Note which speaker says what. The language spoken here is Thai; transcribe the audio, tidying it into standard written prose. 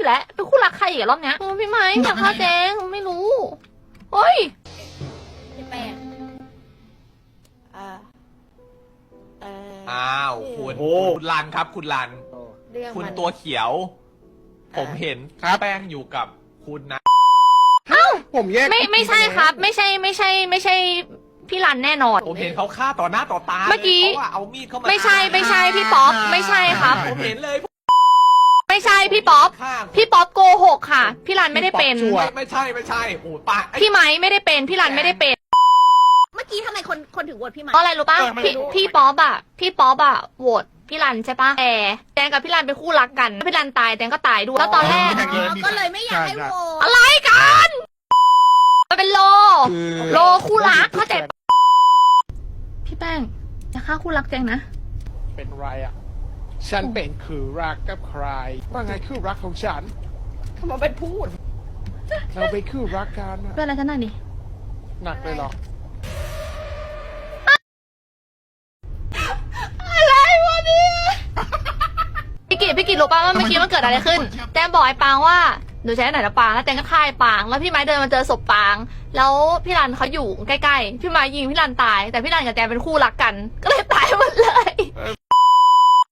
Speaker 1: อีกแล้วเป็นคู่รักใครอีกรอบเนี้ยพี่ไม้อยากฆ่าแจงไม่รู้เฮ้ย
Speaker 2: พี่แป้ง
Speaker 3: อ้าวคุณ
Speaker 4: โอ้
Speaker 3: คุณลันครับคุณลัน
Speaker 2: เรื่อง
Speaker 3: คุณ
Speaker 2: มัน
Speaker 3: ตัวเขียว ผมเห็นแป้งอยู่กับคุณนะ
Speaker 4: ผมแยก
Speaker 1: ไม่ใช่ครับ ไม่ใช่พี่รันแน่นอน
Speaker 3: ผมเห็นเขาฆ่าต่อหน้าต่อตา
Speaker 1: เมื่อกี้
Speaker 3: ลยเขาว่าเอามีดเข้ามา
Speaker 1: ไม่ใช่พี่ป๊อปไม่ใช่ครับ
Speaker 3: ผมเห็นเลย
Speaker 1: ไม่ใช่พี่ป๊อป
Speaker 3: ฆ่า
Speaker 1: พี่ป๊อปโกหกค่ะ พี่รันไม่ได้เป็น
Speaker 3: ไม่ใช่โอ้ป้าไอ้
Speaker 1: พี่ไม้ไม่ได้เป็นพี่รันไม่ได้เป็น
Speaker 2: เมื่อกี้ทำไมคนถึงโหวตพี่ไหม
Speaker 1: เพราะอะไรรู้ป่ะพี่ป๊อปอะโหวตพี่รันใช่ป่ะแต่แจงกับพี่รันเป็นคู่รักกันพี่รันตายแจงก็ตายด้วยแล้วตอนแรก
Speaker 2: ก็เลยไม่อยากให้โหวต
Speaker 1: อะไรกันมันเป็นโลคู่รักเข้าใจปะพี่แป้งจะฆ่าคู่รักแจงนะ
Speaker 4: เป็นไรอ่ะ ฉันเป็นคือรักกับใคร ว่าไงคือรักของฉัน
Speaker 2: ทำไมเป็นพูด
Speaker 4: เราไปคือรักกันอะ
Speaker 1: เป็นอะไรกันหน่อยดิ
Speaker 4: หนักเลยเหรอ
Speaker 1: อะไรวะเนี่ยพี่กิจรู้ป่ะว่าเมื่อกี้มันเกิดอะไรขึ้นแจงบอกไอ้ปางว่าหนูใช้ไหนละปางแล้วแจงก็ฆ่าไอ้ปางแล้วพี่ไม้เดินมาเจอศพปาง แล้วพี่รันเขาอยู่ใกล้ๆพี่ไม้ยิงพี่รันตายแต่พี่รันกับแจงเป็นคู่รักกัน ก็เลยตายหมดเลย